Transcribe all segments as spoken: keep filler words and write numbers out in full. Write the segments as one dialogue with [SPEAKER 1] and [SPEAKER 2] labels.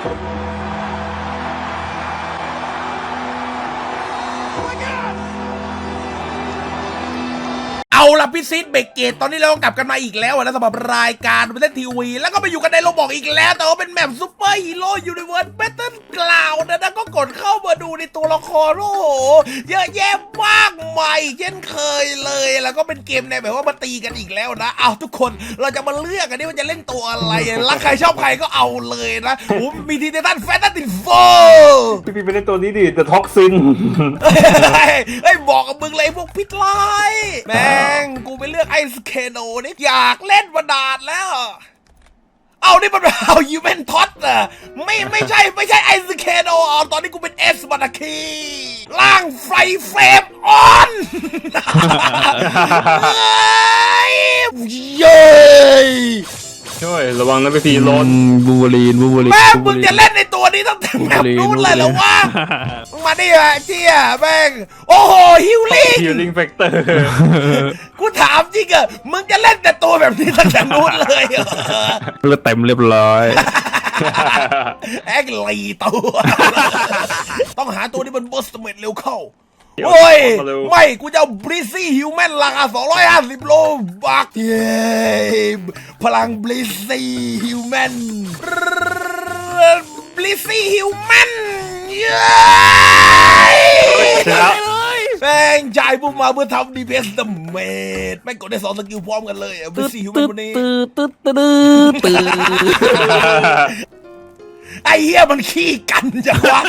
[SPEAKER 1] เอาล่ะพี่ซีดเบรกเกตตอนนี้เรากลับกันมาอีกแล้วนะสำหรับรายการเบททีวีแล้วก็ไปอยู่กันในโรบอกอีกแล้วแต่ว่าเป็นแมปซูเปอร์ฮีโร่ยูนิเวิร์สเบทเทิลกล่าวนะนะก็กดเข้ามาดูในตัวละครโอ้โหเยอะแยะมากมายเช่นเคยเลยแล้วก็เป็นเกมในแบบว่ามาตีกันอีกแล้วนะเอาทุกคนเราจะมาเลือกกันนี่ว่าจะเล่นตัวอะไรรักใครชอบใครก็เอาเลยนะโอ้มีทีเดตันแฟนตาติโฟ
[SPEAKER 2] พี่พี่ไปเล่นตัวนี้ดิแต่ท็อกซิน
[SPEAKER 1] เฮ้ยบอกกับมึงเลยพวกพิษไล่แม่งกูไปเลือกไอสเคโนนี่อยากเล่นมานานแล้วเอานี่มันเอายูเวนท็อตอะไม่ไม่ใช่ไม่ใช่ไอสเคโนเอาตอนนี้กูเป็นเอสบัตคีล่างไฟเฟรมออนเย้
[SPEAKER 2] ช่วยระวังนะพี่พีร้อน
[SPEAKER 3] บูเบอรีนบูเบอรีน
[SPEAKER 1] แม่มึงจะเล่นในตัวนี้ตั้งแต่แบบนู้นเลยเหรอวะมาดิอะเจี๊ยแม่งโอ้โหฮิวลิ่ง
[SPEAKER 2] ฮิลลิ่งแฟกเตอร์
[SPEAKER 1] กูถามจริงอะมึงจะเล่นแต่ตัวแบบนี้ตั้งแต่นู้นเลยเหรอ
[SPEAKER 3] เลือดเต็มเรียบร้อย
[SPEAKER 1] แอกลีตัวต้องหาตัวที่มันบูสต์เมดเร็วเข้าโอ้ยไม่กูจะเอาบริซี่ฮิวแมนราคาสองร้อยห้าสิบโลบักเย้พลังบริซี่ฮิวแมนบริซี่ฮิวแมนเย้แม่งจ่ายพวกมาเพื่อทำดีเพสเดเมดแม่งกดได้สองสกิลพร้อมกันเลยบริซี่ฮิวแมนวันนี้
[SPEAKER 3] ตืดตืดตืดตืด
[SPEAKER 1] ไอ้เหี้ยมันขี้กันจังวะ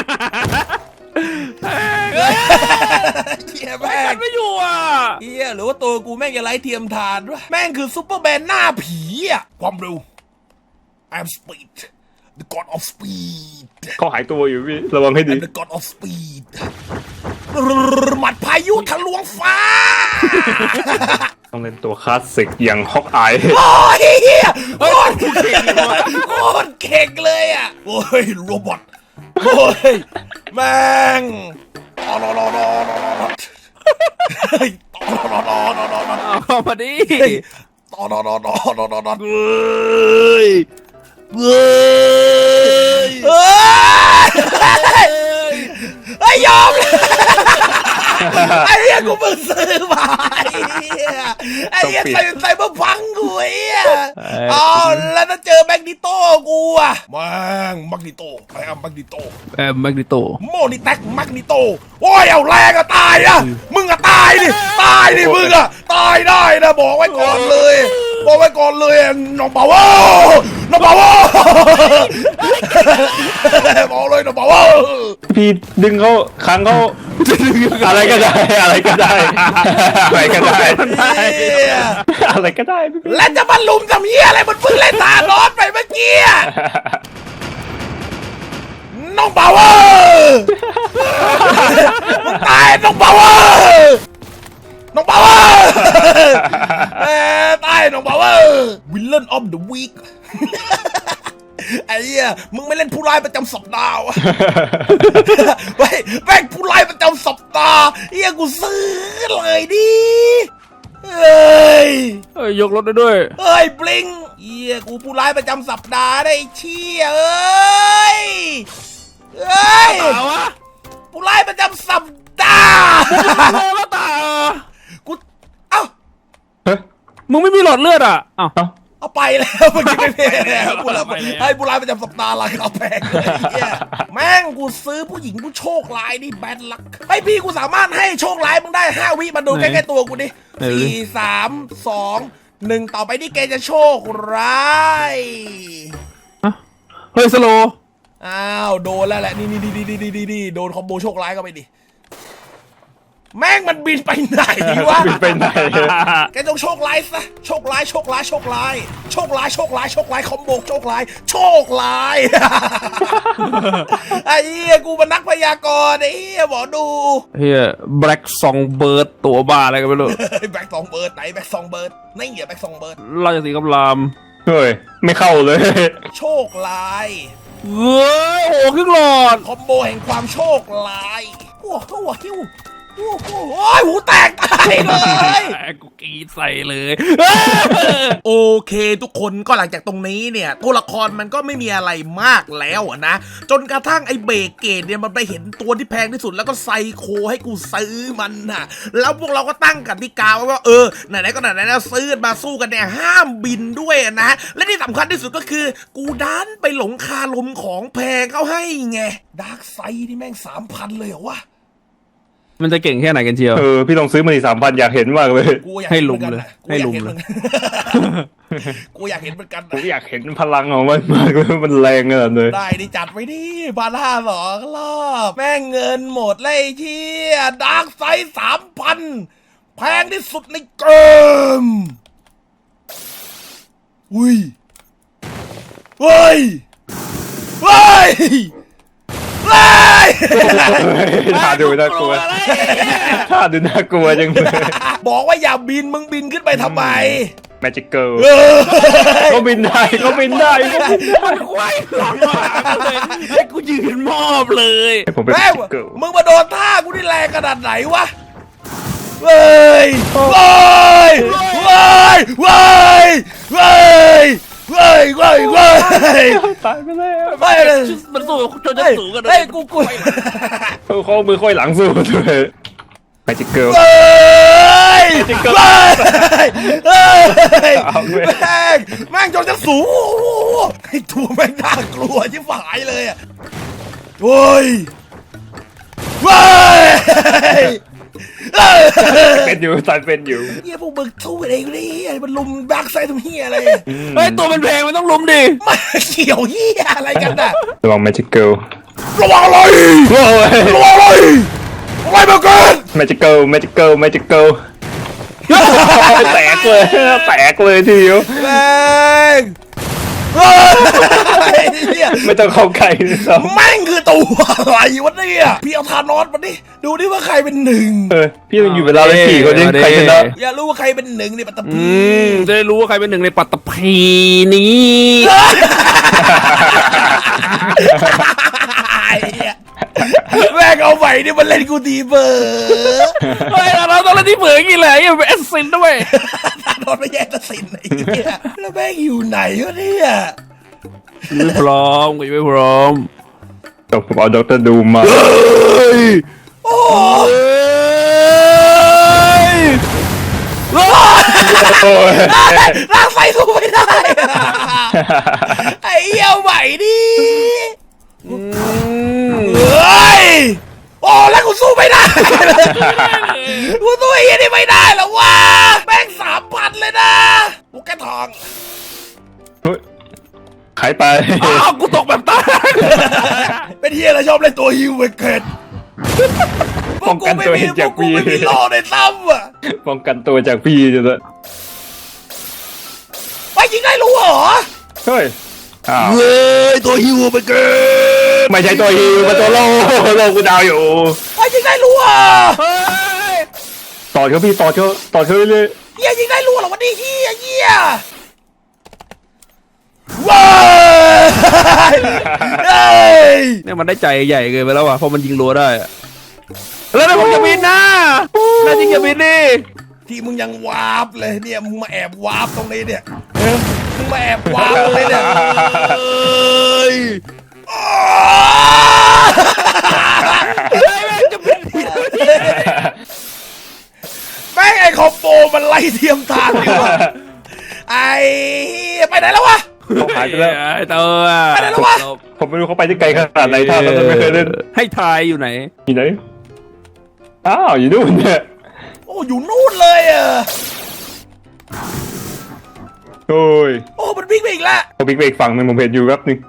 [SPEAKER 1] เฮียแม่ง
[SPEAKER 3] ไม่อยู่อ่ะ
[SPEAKER 1] เฮียหรือว่าตัวกูแม่งจะไร้เทียมทานด้วยแม่งคือซุปเปอร์แมนหน้าผีอ่ะความเร็ว I'm speed the god of speed
[SPEAKER 2] เขาหายตัวอยู่พี่ระวังให้ดี
[SPEAKER 1] I'm the god of speed หมัดพายุทะลวงฟ้า
[SPEAKER 2] ต้องเล่นตัวคลาสสิกอย่างฮอกอาย
[SPEAKER 1] โอ้ยเฮียโคตรเก่งเลยโคตรเก่งเลยอ่ะโอ้ยโรบอทโอ้ยแม่งต่อรอรอรอรอรอต่อรอรอรอรอรอ
[SPEAKER 3] เอามาดิ
[SPEAKER 1] ต่อรอรอรอรอรอรอเฮ้ยเฮ้ยเฮ้ยไอ้ยอมเลยไอ้เหี้ยกูเพิ่งซื้อมาไอ้เหี้ยไอ้เหี้ยใส่ใส่มาพังกูไอ้เหี้ยอ๋อแล้วถ้าเจอแมกนิโต้กูอะแม่งแมกนิโต้ไอ้แมกนิโต้
[SPEAKER 3] แอมแมกนิโต
[SPEAKER 1] โมนิแท็กแมกนิโต้โอ้ยเอาแรงอะตายอะมึงอะตายดิตายดิมึงอะตายได้นะบอกไว้ก่อนเลยบอกไว้ก่อนเลยน้องเบาโว้น้องเบาโว้บอกเลยน้องเบาโว้
[SPEAKER 2] พี่ดึงเขาค้างเขาอะไรก็ได้อะไรก็ได้อะไรก็ได้อะไรก็ได้
[SPEAKER 1] แล้วจะมาลุมทำเหี้ยอะไรมันเพิ่งเล่นตาร้อนไปเมื่อกี้น้องเบาโว้มึงตายน้องเบาโว้น้องเบาโว้ตายน้องเบาโว้วิลเลนออฟเดอะวีคไอ้เหี้ยมึงไม่เล่นผู้ร้ายประจำสัปดาห์วะเฮ้ยแม่งผู้ร้ายประจำสัปดาห์เหี้ยกูซื้อเลยดิเฮ้ย
[SPEAKER 3] เฮ้ยยกรถได้ด้วย
[SPEAKER 1] เฮ้ยบลิงเหี้ยกูผู้ร้ายประจำสัปดาห์ได้เชี่ยเอ้ยเฮ้ยผู้ร้ายประจำสัปดาห์
[SPEAKER 3] โลละตา
[SPEAKER 1] กูเอ้า
[SPEAKER 3] มึงไม่มีหลอดเลือดอ่ะเอ้า
[SPEAKER 1] เอาไปแล้วเมื่อกี้ไม่เพลแล้วกูแล้วให้ผู้ร้ายประจำสัปดาห์ราคาแพงเลยเนี่ยแม่งกูซื้อผู้หญิงผู้โชคร้ายนี่แบดลักไอพี่กูสามารถให้โชคร้ายมึงได้ห้าวิมาดูใกล้ๆตัวกูดิสี่สามสองหนึ่งต่อไปนี่แกจะโชคร้าย
[SPEAKER 3] เฮ้ยสโล
[SPEAKER 1] อ้าวโดนแล้วแหละนี่นี่นี่นี่นี่นี่โดนคอมโบโชคร้ายก็ไปดิแม่งมันบินไปไหนวะ
[SPEAKER 2] บินไปไหน
[SPEAKER 1] แกต้องโชคร้ายซะโชคร้ายโชคร้ายโชคร้ายโชคร้ายโชคร้ายโชคร้ายคอมโบโชคร้ายโชคร้ายไอ้เหี้ยกูเป็นนักพยากรณ์ไอ้เหี้ยหมอดู
[SPEAKER 3] เฮียแบล็กซองเบิร์ดตัวบ้าอะไรกันไม่รู้
[SPEAKER 1] แบล็กซองเบิร์ดไหนแบล็กซองเบิร์ดนี่เหรอแบล็กซองเบิร์ด
[SPEAKER 3] ราชสีกำลาม
[SPEAKER 2] เฮ้ยไม่เข้าเลย
[SPEAKER 1] โชคร้าย
[SPEAKER 3] เฮ้ยโอ้ครึ่งหลอด
[SPEAKER 1] คอมโบแห่งความโชคร้ายโอ้โหหิวโอ้โหหูแตกตายเลย
[SPEAKER 3] กูกรีดใส่เลย
[SPEAKER 1] โอเคทุกคนก็หลังจากตรงนี้เนี่ยตัวละครมันก็ไม่มีอะไรมากแล้วอะนะจนกระทั่งไอ้เบรกเกตเนี่ยมันไปเห็นตัวที่แพงที่สุดแล้วก็ไซโคให้กูซื้อมันน่ะแล้วพวกเราก็ตั้งกติกาไว้ว่าเออไหนๆก็ไหนๆแล้วซื้อมาสู้กันเนี่ยห้ามบินด้วยอะนะและที่สำคัญที่สุดก็คือกูดันไปหลงคาลมของแพงเขาให้ไงดาร์กไซด์นี่แม่งสามพันเลยเหรอวะ
[SPEAKER 3] มันจะเก่งแค่ไหนกันเชียว
[SPEAKER 2] เออพี่ลองซื้อมาดิสามพันอยากเห็นมากเลย
[SPEAKER 1] กูอยาก
[SPEAKER 3] ให้
[SPEAKER 1] เน
[SPEAKER 3] ลุม
[SPEAKER 1] หมือนกัน
[SPEAKER 3] เลย
[SPEAKER 1] นะ
[SPEAKER 3] ให้ลุมเลย
[SPEAKER 1] กูอยากเห็นเหมือนกัน
[SPEAKER 2] ผม
[SPEAKER 1] นะ
[SPEAKER 2] อยากเห็นพลังของมันมากเลยมันแรงขนาดเลย
[SPEAKER 1] ได้ดิจัดไว้ดิบาร่าสองรอบแม่งเงินหมดเลยไอ้เชี่ยดาร์กไซด์สามพันแพงที่สุดในเกมอุ้ยเฮ้ยเฮ้ยเฮ้ย
[SPEAKER 2] ท่าดูน่ากลัวท่าดูน่ากลัวจังเลย
[SPEAKER 1] บอกว่าอย่าบินมึงบินขึ้นไปทำไม
[SPEAKER 2] แมจิกเกิล
[SPEAKER 1] เออ
[SPEAKER 2] เขาบินได้เขาบินได้เขาบินได้
[SPEAKER 3] ควายหลังหลังเลยให้กูยืนมอบเลย
[SPEAKER 2] ผมเป็นแม
[SPEAKER 1] แม่ง
[SPEAKER 2] จิกเกิล
[SPEAKER 1] มึงมาโดนท่ากูนี่แรงขนาดไหนวะเว้ยเว้ยเว้ยเว้ยเว้ยเว้ยเว้ยเว้ย
[SPEAKER 2] ตายไปแล้ว
[SPEAKER 1] ไม่เลย
[SPEAKER 3] มันสู้จนจะสูงกันเล
[SPEAKER 1] เฮ้
[SPEAKER 3] ย
[SPEAKER 1] ยกูกู
[SPEAKER 2] เขาเขามือค่อยหลังสู้ด้วยแมจิกเกิล
[SPEAKER 1] เว้ยเว้ยเฮ้ย
[SPEAKER 2] เอาเว้ย
[SPEAKER 1] แม่งแม่งจนจะสูงไอ้ตัวแม่งน่ากลัวชิบหายเลยอ่ะโว้ยเว้ย
[SPEAKER 2] เป็นอยู่ตายเป็นอยู่
[SPEAKER 1] เฮียพวกมึงสู้กันเองดิมันลุมแบ็กไซด์ทำเฮียอะไร
[SPEAKER 3] เฮ้ยตัวมันแพงมันต้องลุมดิ
[SPEAKER 1] ไม่เกี่ยวเฮียอะไรกันน่ะ
[SPEAKER 2] ระวังแมจิกเกิล
[SPEAKER 1] ระวังอะไร
[SPEAKER 2] โอ้ย
[SPEAKER 1] ระวังอะไรอะไรมาเกิน
[SPEAKER 2] แมจิกเกิลแมจิกเกิลแมจิกเกิลแตกเลยแตกเลยทีเดียว
[SPEAKER 1] แม่งเฮ้ยเฮีย
[SPEAKER 2] ไม่ต้องเข้าใกล้เลยซ้
[SPEAKER 1] แม่งคือตัวอะไรวะเนี่ยพี่เอาทานอสมาดิดูดิว่าใครเป็นหนึ่ง
[SPEAKER 2] ำเออพี่ต้องอยู่เวลาเลยสี่คนนี้ใครชนะ
[SPEAKER 1] อย่ารู้ว่าใครเป็นหนึ่งในปัตตภี
[SPEAKER 3] อืมจะได้รู้ว่าใครเป็นหนึ่งในปัตตภีนี้
[SPEAKER 1] ไอ้เหี้ยแม่งเอาใหม่นี่มันเล่นกูดีเบอร์
[SPEAKER 3] เฮ้ยเราต้องเล่นที่เผือกกี่แหละอย่าเป็นแอสซินด้วย
[SPEAKER 1] ทานอสไม่แย่ตัดสินไอ้เหี้ยแล้วแม่งอยู่ไหนวะเนี่ย
[SPEAKER 3] ไม่พร้อมกูยังไม่พร้อม
[SPEAKER 2] จบผมเอาด็อกเตอร์ดูมา
[SPEAKER 1] โอ้
[SPEAKER 2] โอ้ย
[SPEAKER 1] ร่างไฟสู้ไม่ได้ไอ้เหี้ยเอาใหม่ดิเฮ้ยโอ้แล้วกูสู้ไม่ได้กูสู้ไอ้เหี้ยนี่ไม่ได้หรอวะแม่งสามพันเลยนะกูแค่ทอง
[SPEAKER 2] ขายไป
[SPEAKER 3] อ้าวกูตกแบบตาย
[SPEAKER 1] เป็นเฮียอะไรชอบเล่นตัวฮิวเวกเกต
[SPEAKER 2] ป้องกันตัวเองจาก
[SPEAKER 1] พวกกู
[SPEAKER 2] พี่
[SPEAKER 1] ไม่มีโลในซ้ำอ่ะ
[SPEAKER 2] ป้องกันตัวจากพี่จะเลย
[SPEAKER 1] ไปจริงได้รู้เหรอ
[SPEAKER 2] เฮ้ยอ้าว
[SPEAKER 1] เฮ้ยตัวฮิวเวกเกต
[SPEAKER 2] ไม่ใช่ตัวฮิวมาตัวโลโลกูดาวอยู่
[SPEAKER 1] ไปจริงได้รู้เหรอ
[SPEAKER 3] เฮ้ย
[SPEAKER 2] ต่อเขาพี่ต่อเขาต่อเขาเรื่อย
[SPEAKER 1] เฮียจริงได้รู้เหรอวันนี้เฮียเฮียว้าย เฮ้ย
[SPEAKER 3] เนี่ยมันได้ใจใหญ่เกินไปแล้วว่ะเพราะมันยิงรัวได้อะแล้วนะผมจะบินนะน่าจริงจะบินดิ
[SPEAKER 1] ที่มึงยังวาร์ปเลยเนี่ยมึงมาแอบวาร์ปตรงนี้เนี่ยมึงมาแอบวาร์ปตรงนี้เนี่ยเฮ้ยแม่งไอ้คอมโบมันไล่เทียมทางดีว่ะไอ้เหี้ยไปไหนแล้ววะ
[SPEAKER 2] เขาหายไปแล้ว
[SPEAKER 3] ไอ้ตัว
[SPEAKER 1] ไปไหนแล้ววะ
[SPEAKER 2] ผมไม่รู้เขาไปที่ไกลขนาดไหนท่าเราไม่เคยเล่น
[SPEAKER 3] ให้ทายอยู่ไหน
[SPEAKER 2] อยู่ไหนอ้าวอยู่นู่นเนี่ย
[SPEAKER 1] โอ้อยู่นู่นเลยอ่ะ
[SPEAKER 2] โอ้ย
[SPEAKER 1] โอ้มันวิ่งไปอีกแล้ว
[SPEAKER 2] เขาบิ๊กเบรกฝั่งหนึงผมเห็นอยู่แป๊บนึง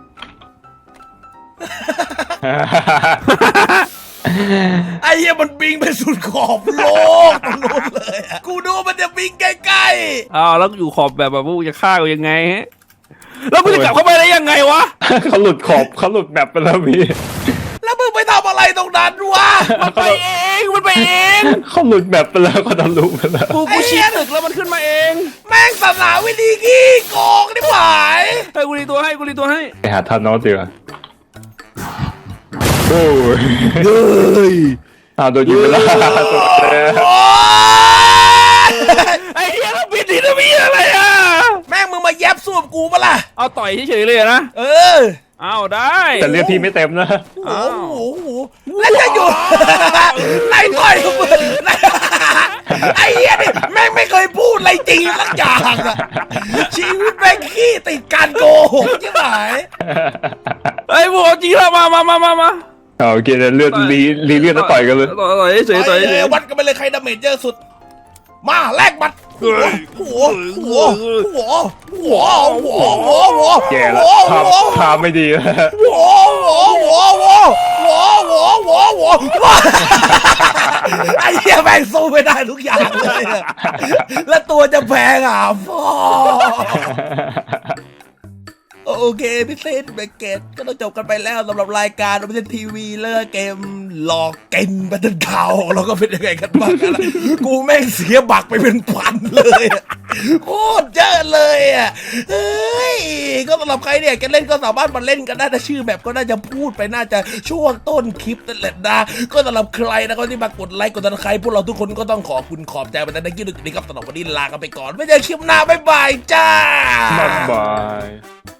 [SPEAKER 1] ไอ้เหี้ยมันวิ่งไปสุดขอบโลกตรงนู้นเลยอะกูดูว่ามันจะวิ่งใกล้
[SPEAKER 3] อ้าวแล้วอยู่ขอบแบบแบบว่ากูจะฆ่ากูยังไงฮะแล้วกูจะกลับเข้าไปได้ยังไงวะ
[SPEAKER 2] เขาหลุดขอบเขาหลุดแบบไปแล้วพี่
[SPEAKER 1] ๆแล้วมึงไปทำอะไรตรงนั้นวะ
[SPEAKER 3] มันไปเองมันไปเอง
[SPEAKER 2] เขาหลุดแบบไปแล้วเขาทะลุไปแล้ว
[SPEAKER 3] กูกูชี้ตึกแล้วมันขึ้นมาเอง
[SPEAKER 1] แม่งศาสนาวิธีขี้โกงนี่หวาย
[SPEAKER 3] ให้กูรีตัวให้กูรีตัวให้
[SPEAKER 2] ไปหาทานอสดีกว่าโอ้ย
[SPEAKER 1] เฮ้ย
[SPEAKER 2] อ้าวโดนยิงไปแล้ว
[SPEAKER 1] โอ๊ย
[SPEAKER 3] ไอ้เหี้ยเราปิดทีทวีอะไรอ่ะ
[SPEAKER 1] แม่งมึงมาแยบสู้กับกูปะล่ะ
[SPEAKER 3] เอาต่อยเฉยๆเลยนะ
[SPEAKER 1] เออ
[SPEAKER 3] เอาได้
[SPEAKER 2] แต่เลือดพี่ไม่เต็มนะ
[SPEAKER 1] โอ้โหโอ้โหแล้วจะอยู่ ไล่ต่อยกับมึงไล่ไอ้เหี้ยนี่แม่งไม่เคยพูดอะไรจริงสักอย่างอะชีวิตแม่งขี้ติดการโกหกใช่ไหม
[SPEAKER 3] ไอ้พวกจริงแล้วมามามามามา
[SPEAKER 2] เอาโอเคเดี๋ยวเลือดรีรีเลือดแล้วต่อยกันเลย
[SPEAKER 3] ต่อยต่อยเฉยๆต่อยเฉย
[SPEAKER 1] วัดกันไปเลยใครดาเมจเยอะสุด มาแลกบัตรหัวหัวหัวหัวหัวหัวหัวหัว
[SPEAKER 2] แย่แล้วภาพภาพไม่ดีแล้ว
[SPEAKER 1] หัวหัวหัวหัวหัวหัวหัวหัวหัวไอ้เหี้ยแม่งสู้ไม่ได้ทุกอย่างเลยอะแล้วตัวจะแพงอ่ะพ่อโอเคพี่เซนเบเกตก็ต้องจบกันไปแล้วสำหรับรายการพิเศษทีวีเลือกเกมหลอกเกมบัตเทิลข่าวเราก็เป็นยังไงกันบ้างกันกูแม่งเสียบักไปเป็นพันเลยอะโคตรเยอะเลยอ่ะเฮ้ยก็สำหรับใครเนี่ยจะเล่นก็สามารถมาเล่นกันได้นะชื่อแบบก็น่าจะพูดไปน่าจะช่วงต้นคลิปนั่นแหละนะก็สำหรับใครนะครับที่มากดไลค์กดติดตามใครพวกเราทุกคนก็ต้องขอบคุณขอบใจมาในคลิปนี้ครับสำหรับวันนี้ลากันไปก่อนไม่เจอคลิปหน้าบ๊ายบายจ้า
[SPEAKER 2] บ๊ายบาย